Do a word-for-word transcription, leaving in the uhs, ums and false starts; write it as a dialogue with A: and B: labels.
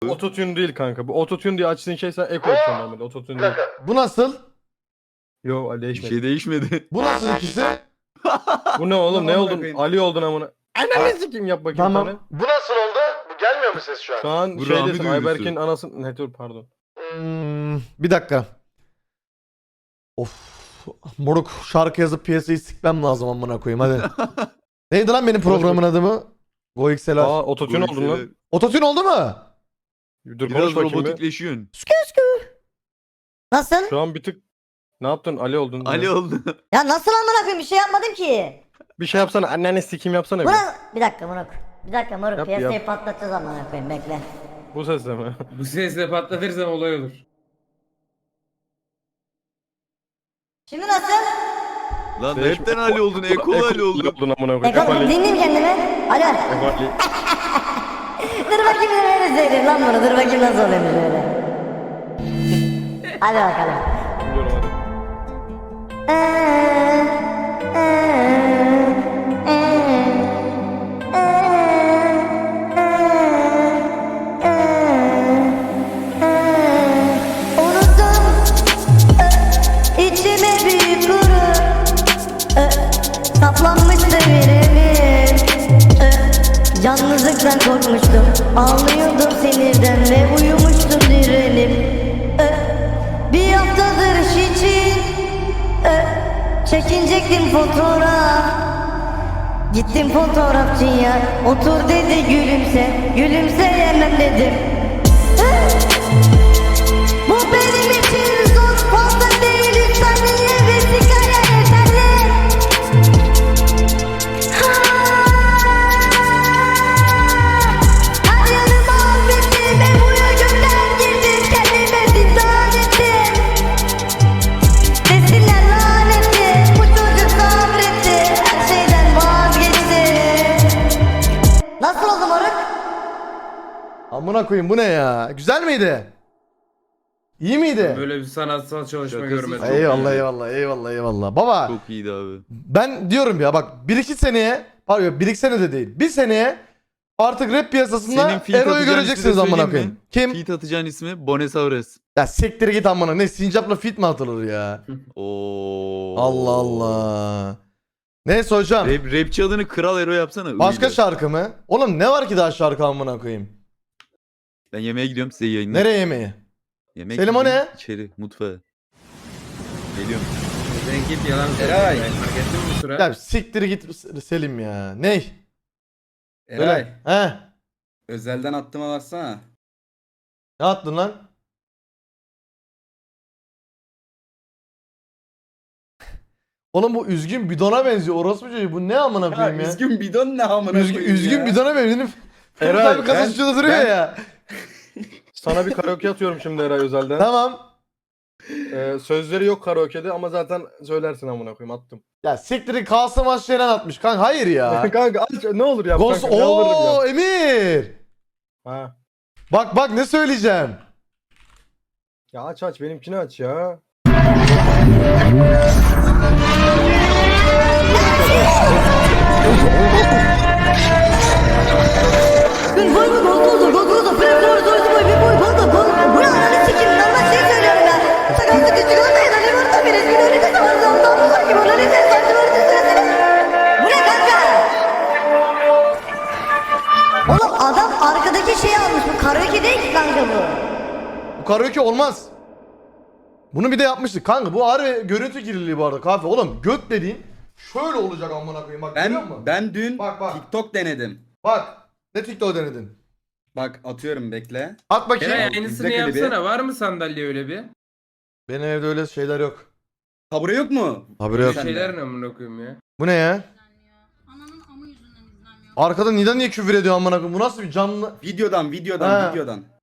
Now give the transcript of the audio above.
A: Ototune değil kanka. Bu ototune diye açtığın şey sen eko açıyorsun normalde. Ototune değil.
B: Bu nasıl?
A: Yo Ali
C: Bir
A: değişmedi.
C: şey değişmedi.
B: Bu nasıl ikisi?
A: Bu ne oğlum? Ne
D: Amına
A: oldun?
D: koyayım.
A: Ali oldun amına. Ananı sikeyim yap bakayım
B: Tamam.
A: tane.
B: Bu nasıl oldu? Bu gelmiyor mu ses şu an?
A: Şu an
C: Bu
A: şey
C: Rami
A: desin
C: duyurusu.
A: Ayberk'in anası... Ne dur pardon.
B: Hmm, bir dakika. Of. Moruk şarkı yazıp piyasayı sikmem lazım amına koyayım hadi. Neydi lan benim programın adı mı? GoXLR.
A: Aa ototune oldun lan.
B: Ototune oldu mu?
A: Dur
C: Biraz
A: konuş bakayım bir.
C: robotikleşiyorsun.
E: Nasıl?
A: Şu an bir tık... Ne yaptın? Ali oldun.
C: Ali
A: Ya.
C: oldu.
E: Ya nasıl amına koyayım, bir şey yapmadım ki.
A: Bir şey yapsana. Anneni sikeyim yapsana bir.
E: Buna bir dakika moruk. Bir dakika moruk,
A: Yap,
E: piyasayı
A: yap.
E: patlatacağız amına koyayım, bekle.
A: Bu sesle mi?
D: Bu sesle patlatırsan olay olur.
E: Şimdi nasıl?
C: Lan
A: Değiş-
C: hepten Ali oldun. Ekolu Ali oldun.
A: oldun amına
E: E
A: koyayım.
E: kalk
A: Ali.
E: dinleyeyim kendimi. Alo.
A: Eko Ali.
E: Dur bakayım öyle söyleyeyim lan bunu. Dur bakayım nasıl oluyormuş öyle. Hadi bakalım.
A: Biliyorum hadi.
E: Unuttum içime büyük gurur, saplanmıştı birimin. Yalnızlıktan korkmuştum, ağlıyordum sinirden ve uyumuştum direnip. Bir haftadır iş için çekinecektim fotoğraf. Gittim fotoğrafçıya, otur dedi gülümse, gülümseyemem dedim. Bu benim için zor, fazla değil, üç saniye ve sigara yeterli. Ha! Her yanım mahvetti ve buraya gönden girdim, kendime zindan ettim. Desinler lanetli, bu çocuk sabretti, her şeyden vazgeçti. Nasıl oldu moruk?
B: Amına koyayım bu ne ya? Güzel miydi? İyi miydi?
D: Böyle bir sanatsal çalışma
C: Şakası
D: görmedim.
C: çok
B: Eyvallah
C: iyi.
B: eyvallah eyvallah eyvallah. Baba
C: Çok iyiydi abi.
B: ben diyorum ya bak bir iki seneye, pardon bir iki sene de değil. Bir seneye artık rap piyasasında
C: Senin feat
B: Ero'yu
C: atacağın
B: göreceksiniz
C: ismi de
B: amına
C: söyleyeyim
B: koyayım.
C: mi?
B: Kim?
C: Feat atacağın ismi Bonesaurus.
B: Ya siktir git amına. Ne sincapla fit mi atılır ya?
C: Oo.
B: Allah Allah. Neyse hocam.
C: Rap, rapçi adını Kral Ero yapsana.
B: Başka
C: Öyle.
B: şarkı mı? Oğlum ne var ki daha şarkı amına koyayım?
C: Ben yemeğe gidiyorum, size yayınlar.
B: Nereye yemeği?
C: Yemek
B: Selim, o
C: yiyeyim,
B: ne?
C: İçeri mutfağa. Geliyorum.
D: Sen git yalan söyle.
F: Eray.
D: Fark ettin mi bu sıra?
B: Ya siktir git Selim ya. Ney?
F: Eray,
B: He?
F: özelden attığıma baksana.
B: Ne attın lan? Oğlum bu üzgün bidona benziyor. Orospu çocuğu. Bu ne amına koyayım ya?
F: üzgün bidon ne amına
B: Üzgün,
F: koyayım
B: üzgün
F: ya.
B: bidona benziyor.
A: Eray,
B: Eray abi
A: ben-
B: kasası şurada duruyor
A: ben-
B: ya.
A: Sana bir karaoke atıyorum şimdi Eray özelden.
B: Tamam.
A: Ee, sözleri yok karaoke'de ama zaten söylersin amına koyayım attım.
B: Ya siktirin Kasım Aşşe'den atmış kanka. Hayır ya.
A: Kanka aç ne olur yap
B: Ghost.
A: kanka yalvarırım
B: Ooo
A: ya.
B: Emir.
A: Ha.
B: Bak bak ne söyleyeceğim.
A: Ya aç aç benimkini aç ya.
E: Gün boy mu gol oldu gol oldu fren doğru doğru boy bir boy gol gol. Bu ne ananı sikeyim lan ben şey söylüyorum ya. Sakatlık küçük olmayın hani burada biriz bir önünde de var zamdan bu var ki bana ne sen saçma var süresine. Bu ne kanka? Oğlum adam arkadaki şeyi almış, bu karaoke değil ki kanka bu.
B: Bu karaoke olmaz. Bunu bir de yapmıştık. Kanka bu harbi görüntü kirliliği bu arada kahve. Oğlum göt dediğin şöyle olacak amına koyayım. Bak görüyor musun?
F: Ben ben dün
B: Bak, bak.
F: TikTok denedim.
B: Bak. Ne TikTok denedin?
F: Bak atıyorum bekle.
B: At bakayım.
D: Eray
F: İzle
D: aynısını
F: klibi.
D: yapsana. Var mı sandalye öyle bir?
B: Benim evde öyle şeyler yok.
F: Tabure yok mu?
B: Haberi yok.
F: Sen de.
D: Şeyler ne amına koyayım ya?
B: Bu ne ya?
G: Ananın amı yüzünden izlenmiyor.
B: Arkada Nida niye küfür ediyor amına koyayım? Bu nasıl bir canlı?
F: Videodan videodan
B: Ha.
F: videodan.